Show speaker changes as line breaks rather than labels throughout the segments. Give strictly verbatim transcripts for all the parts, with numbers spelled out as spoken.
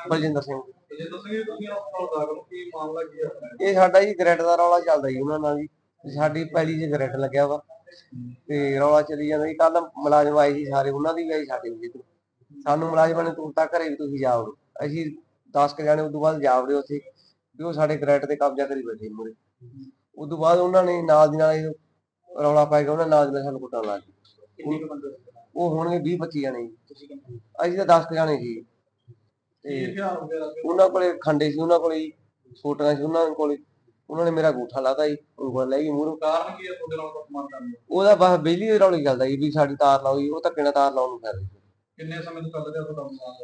ਬਲਜਿੰਦਰ ਸਿੰਘ। ਇਹ ਸਾਡਾ ਜੀ ਗ੍ਰਿਡ ਦਾ ਰੌਲਾ ਚੱਲਦਾ ਜੀ ਉਹਨਾਂ ਨਾਲ ਜੀ। ਸਾਡੀ ਪੈਲੀ 'ਚ ਗ੍ਰਿਡ ਲੱਗਿਆ ਵਾ ਤੇ ਰੌਲਾ ਚੱਲੀ ਜਾਂਦਾ ਜੀ। ਕੱਲ ਮੁਲਾਜ਼ਮ ਆਏ ਜੀ ਸਾਰੇ, ਉਹਨਾਂ ਦੀ ਵੀ ਆਈ ਸਾਡੀ ਵੀ। ਸਾਨੂੰ ਮੁਲਾਜ਼ਮਾਂ ਨੇ ਤੁਰਤਾ ਘਰੇ ਵੀ ਤੁਸੀਂ ਜਾ ਵੜੋ। ਅਸੀਂ ਦਸ ਕੁ ਜਾਣੇ ਉਦੋਂ ਬਾਅਦ ਜਾ ਵੜੇ ਉੱਥੇ ਵੀ ਉਹ ਸਾਡੇ ਗ੍ਰਿਡ ਤੇ ਕਬਜ਼ਾ ਕਰੀ ਬੈਠੇ ਮੂਹਰੇ। ਉਦੋਂ ਬਾਅਦ ਉਹਨਾਂ ਨੇ ਨਾਲ ਦੀ ਨਾਲ ਰੌਲਾ ਪੈ ਗਿਆ, ਉਹਨਾਂ ਨਾਲ ਦੀ ਨਾਲ ਸਾਨੂੰ ਕੁੱਟਣ ਲੱਗ ਗਏ। ਉਹ ਹੋਣਗੇ ਵੀਹ ਪੱਚੀ ਜਾਣੇ ਜੀ, ਅਸੀਂ ਤਾਂ ਦਸ ਕੁ ਜਾਣੇ ਸੀ। ਤੇ ਉਹਨਾਂ ਕੋਲੇ ਖੰਡੇ ਸੀ, ਉਹਨਾਂ ਕੋਲੇ ਸੋਟੀਆਂ ਸੀ ਉਹਨਾਂ ਕੋਲੇ। ਉਹਨਾਂ ਨੇ ਮੇਰਾ ਗੂਠਾ ਲਾਤਾ ਜੀ, ਉਂਗਲ ਲੈ ਗਈ ਮੂਹਰੋਂ। ਕਾਰਨ ਕੀ ਹੈ ਤੁਹਾਡੇ ਨਾਲ ਕੁੱਟਮਾਰ ਕਰਨ ਦਾ? ਉਹਦਾ ਬਸ ਬਿਜਲੀ ਦੇ ਰੌਲੇ ਚੱਲਦਾ ਜੀ ਵੀ ਸਾਡੀ ਤਾਰ ਲਾਓ ਜੀ। ਉਹ ਧੱਕੇ ਨਾਲ ਤਾਰ ਲਾਉਣ ਨੂੰ ਕਰ ਰਹੇ। ਕਿੰਨੇ ਸਮੇਂ ਤੋਂ ਚੱਲ ਰਿਹਾ ਤੁਹਾਡਾ ਮਾਮਲਾ?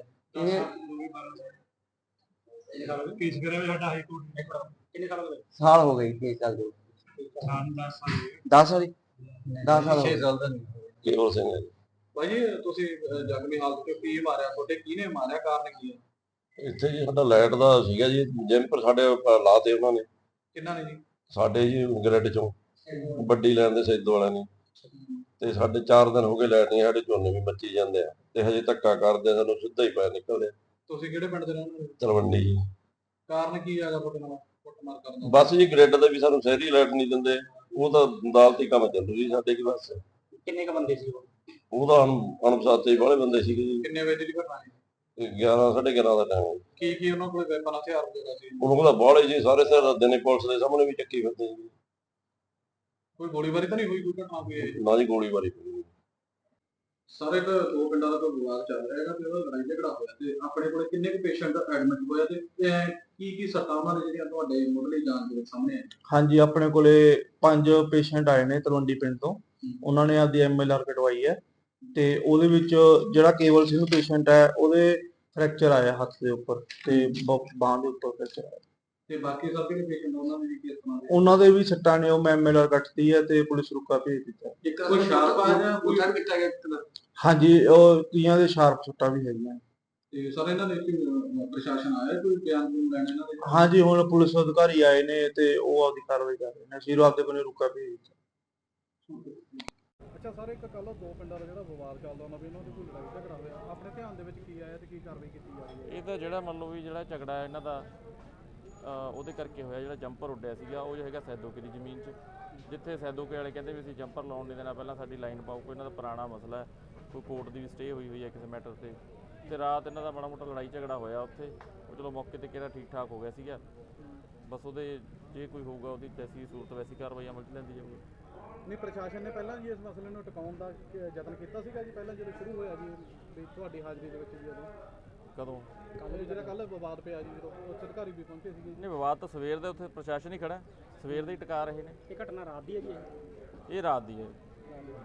ਕੇਸ ਕਰਿਆ ਹੋਇਆ ਸਾਡਾ ਹਾਈ ਕੋਰਟ ਨੇ। ਕਿੰਨੇ ਸਾਲ ਹੋ ਗਏ? ਸਾਲ ਹੋ ਗਏ ਕੇਸ ਚੱਲਦੇ ਨੂੰ। ਦਸ ਸਾਲ ਦਸ ਸਾਲ ਛੇ ਸਾਲ ਦਾ ਨਹੀਂ। ਕੇਵਲ ਸਿੰਘ ਹੈ ਜੀ। ਭਾਈ ਜੀ ਤੁਸੀਂ ਜ਼ਖਮੀ ਹਾਲਤ ਚ ਕੀ ਮਾਰਿਆ? ਤੁਹਾਡੇ ਕਿਹਨੇ ਮਾਰਿਆ? ਕਾਰਨ ਕੀ ਹੈ? ਇੱਥੇ ਜੀ ਸਾਡਾ ਲਾਈਟ ਦਾ ਸੀਗਾ ਜੀ, ਜੈਂਪਰ ਸਾਡੇ ਲਾਤੇ ਉਹਨਾਂ ਨੇ। ਕਿੰਨਾ ਨੇ ਜੀ? ਸਾਡੇ ਜੀ ਗ੍ਰਿਡ ਚੋਂ ਵੱਡੀ ਲਾਈਨ ਦੇ ਸੈਦੋ ਵਾਲਿਆਂ ਨੇ। ਤੇ ਸਾਡੇ ਚਾਰ ਦਿਨ ਹੋ ਗਏ ਲਾਈਟ ਨਹੀਂ, ਸਾਡੇ ਝੋਨੇ ਵੀ ਮੱਚੀ ਜਾਂਦੇ ਆ ਤੇ ਹਜੇ ਧੱਕਾ ਕਰਦੇ ਆ, ਸਾਨੂੰ ਸਿੱਧਾ ਹੀ ਪੈ ਨਿਕਲਦੇ। ਤੁਸੀਂ ਕਿਹੜੇ ਪਿੰਡ ਦੇ ਰਹਿਣ ਵਾਲੇ? ਤਲਵੰਡੀ ਜੀ। ਕਾਰਨ ਕੀ ਹੈਗਾ ਤੁਹਾਡੇ ਨਾਲ ਕੁੱਟਮਾਰ ਕਰਨ ਦਾ? ਬਸ ਜੀ ਗ੍ਰਿਡ ਦਾ ਵੀ ਸਾਨੂੰ ਸ਼ਹਿਰੀ ਲਾਈਟ ਨਹੀਂ ਦਿੰਦੇ। ਉਹ ਤਾਂ ਅਦਾਲਤੀ ਕੰਮ ਚੱਲੂ ਜੀ ਸਾਡੇ ਕੀ ਬਸ। ਕਿੰਨੇ ਕ ਬੰਦੇ ਸੀ ਉਹ? ਉਹਦਾ ਅਣਪਛਾਤੇ ਵਾਲੇ ਬੰਦੇ ਸੀਗੇ ਜੀ। ਕਿੰਨੇ ਵਜੇ ਦੀ ਘਟਨਾ ਹੈ? ਗਿਆਰਾਂ ਸਾਢੇ ਗਿਆਰਾਂ ਦਾ ਟਾਈਮ। ਕੀ ਕੀ ਉਹਨਾਂ ਕੋਲ ਵੈਪਨ ਹਥਿਆਰ ਵਗੈਰਾ ਸੀ? ਉਹਨਾਂ ਕੋਲ ਬਾਹਲੇ ਜੀ, ਸਾਰੇ ਸਿਰ ਦਿਨੇ ਪੁਲਿਸ ਦੇ ਸਾਹਮਣੇ ਵੀ ਚੱਕੀ ਫਿਰਦੇ ਜੀ। ਕੋਈ ਗੋਲੀਬਾਰੀ ਤਾਂ ਨਹੀਂ ਹੋਈ? ਕੋਈ ਘਟਨਾ ਕੋਈ ਹੈ? ਨਾ ਜੀ, ਗੋਲੀਬਾਰੀ ਹੋਈ। ਸਾਰੇ ਦੋ ਪਿੰਡਾਂ ਦਾ ਕੋਈ ਵਿਵਾਦ ਚੱਲ ਰਿਹਾ ਹੈਗਾ ਤੇ ਉਹਦਾ ਲੜਾਈ ਝਗੜਾ ਹੋਇਆ ਤੇ ਆਪਣੇ ਕੋਲੇ ਕਿੰਨੇ ਕੁ ਪੇਸ਼ੈਂਟ ਐਡਮਿਟ ਹੋਇਆ ਤੇ ਕੀ ਕੀ ਸੱਟਾਂ ਉਹਨਾਂ ਦੇ ਜਿਹੜੀਆਂ ਤੁਹਾਡੇ ਮੁੱਢਲੀ ਜਾਂਚ ਦੇ ਸਾਹਮਣੇ ਆਏ? ਹਾਂਜੀ, ਆਪਣੇ ਕੋਲੇ ਪੰਜ ਪੇਸ਼ੈਂਟ ਆਏ ਨੇ ਤਲਵੰਡੀ ਪਿੰਡ ਤੋਂ। ਉਹਨਾਂ ਨੇ ਆਪਦੀ ਐਮ ਐਲ ਆਰ ਕਟਵਾਈ ਹੈ ਤੇ ਉਹਦੇ ਵਿੱਚ ਜਿਹੜਾ ਕੇਵਲ ਸਿੰਘ ਪੇਸ਼ੈਂਟ ਹੈ ਉਹਦੇ ਫ੍ਰੈਕਚਰ ਆਇਆ ਹੱਥ ਦੇ ਉੱਪਰ ਤੇ ਬਾਂਹ ਦੇ ਉੱਪਰ ਫ੍ਰੈਕਚਰ ਆਇਆ। ਤੇ ਬਾਕੀ ਸਭ ਜਿਹੜੇ ਪੇਸ਼ੈਂਟ ਉਹਨਾਂ ਦੇ ਵੀ ਕਿਸ ਤਰ੍ਹਾਂ ਦੇ? ਉਹਨਾਂ ਦੇ ਵੀ ਸੱਟਾਂ ਨੇ, ਉਹ ਮੈਂ ਐਮ ਐਲ ਆਰ ਕੱਟਤੀ ਹੈ ਤੇ ਪੁਲਿਸ ਰੁਕਾ ਭੇਜ ਦਿੱਤਾ। ਇੱਕ ਕੋਈ ਸ਼ਾਰਪ ਆ ਜਾਂ ਕੋਈ ਕੀਤਾ ਗਿਆ? ਹਾਂਜੀ, ਉਹ ਤੀਆਂ ਦੇ ਸ਼ਾਰਪ ਸੱਟਾਂ ਵੀ ਹੈਗੀਆਂ। ਤੇ ਸਰ ਇਹਨਾਂ ਦੇ ਪ੍ਰਸ਼ਾਸਨ ਆਇਆ ਕੋਈ ਬਿਆਨ ਬੂਨ ਲੈਣ ਇਹਨਾਂ ਦੇ? ਹਾਂਜੀ, ਹੁਣ ਪੁਲਿਸ ਅਧਿਕਾਰੀ ਆਏ ਨੇ ਤੇ ਉਹ ਆਪਦੀ ਕਾਰਵਾਈ ਕਰ ਰਹੇ ਨੇ। ਅਸੀਂ ਆਪਦੇ ਕੋਲ ਰੁਕਾ ਭੇਜ ਦਿੱਤਾ। ਅੱਛਾ ਸਰ, ਇੱਕ ਕੱਲ ਦੋ ਪਿੰਡਾਂ ਦਾ ਜਿਹੜਾ ਵਿਵਾਦ ਚੱਲਦਾ ਉਹਨਾਂ ਵੀ ਇਹਨਾਂ ਦੇ ਕੋਈ ਲੜਾਈ ਝਗੜਾ ਹੋਇਆ, ਆਪਣੇ ਧਿਆਨ ਦੇ ਵਿੱਚ ਕੀ ਆਇਆ ਤੇ ਕੀ ਕਾਰਵਾਈ ਕੀਤੀ ਜਾ ਰਹੀ ਹੈ? ਇਹ ਤਾਂ ਜਿਹੜਾ ਮੰਨ ਲਓ ਵੀ ਜਿਹੜਾ ਝਗੜਾ ਇਹਨਾਂ ਦਾ ਉਹਦੇ ਕਰਕੇ ਹੋਇਆ, ਜਿਹੜਾ ਜੰਪਰ ਉੱਡਿਆ ਸੀਗਾ ਉਹ ਹੈਗਾ ਸੈਦੋਕੇ ਦੀ ਜ਼ਮੀਨ 'ਚ, ਜਿੱਥੇ ਸੈਦੋਕੇ ਵਾਲੇ ਕਹਿੰਦੇ ਵੀ ਅਸੀਂ ਜੰਪਰ ਲਾਉਣ ਨਹੀਂ ਦੇਣਾ, ਪਹਿਲਾਂ ਸਾਡੀ ਲਾਈਨ ਪਾਓ। ਕੋਈ ਇਹਨਾਂ ਦਾ ਪੁਰਾਣਾ ਮਸਲਾ ਹੈ, ਕੋਈ ਕੋਰਟ ਦੀ ਵੀ ਸਟੇ ਹੋਈ ਹੋਈ ਹੈ ਕਿਸੇ ਮੈਟਰ 'ਤੇ। ਤੇ ਰਾਤ ਇਹਨਾਂ ਦਾ ਮਾੜਾ ਮੋਟਾ ਲੜਾਈ ਝਗੜਾ ਹੋਇਆ ਉੱਥੇ। ਉਹ ਚਲੋ ਮੌਕੇ 'ਤੇ ਕਿਹੜਾ ਠੀਕ ਠਾਕ ਹੋ ਗਿਆ ਸੀਗਾ। ਬਸ ਉਹਦੇ ਜੇ ਕੋਈ ਹੋਊਗਾ ਉਹਦੀ ਜੈਸੀ ਸੂਰਤ ਵੈਸੀ ਕਾਰਵਾਈ ਅਮਲ 'ਚ ਲੈਂਦੀ ਜਾਊਗੀ। ਨਹੀਂ, ਪ੍ਰਸ਼ਾਸਨ ਨੇ ਪਹਿਲਾਂ ਜੀ ਇਸ ਮਸਲੇ ਨੂੰ ਟਿਕਾਉਣ ਦਾ ਯਤਨ ਕੀਤਾ ਸੀਗਾ ਜੀ ਪਹਿਲਾਂ ਜਦੋਂ ਸ਼ੁਰੂ ਹੋਇਆ ਜੀ ਵੀ ਤੁਹਾਡੀ ਹਾਜ਼ਰੀ ਦੇ ਵਿੱਚ ਜੀ? ਉਦੋਂ ਕਦੋਂ? ਕੱਲ੍ਹ ਜਿਹੜਾ ਕੱਲ੍ਹ ਵਿਵਾਦ ਪਿਆ ਜੀ, ਜਦੋਂ ਉੱਚ ਅਧਿਕਾਰੀ ਵੀ ਪਹੁੰਚੇ ਸੀਗੇ? ਨਹੀਂ, ਵਿਵਾਦ ਤਾਂ ਸਵੇਰ ਦੇ ਉੱਥੇ ਪ੍ਰਸ਼ਾਸਨ ਹੀ ਖੜਾ, ਸਵੇਰ ਦੇ ਹੀ ਟਿਕਾ ਰਹੇ ਨੇ। ਇਹ ਘਟਨਾ ਰਾਤ ਦੀ ਹੈ ਜੀ? ਇਹ ਰਾਤ ਦੀ ਹੈ।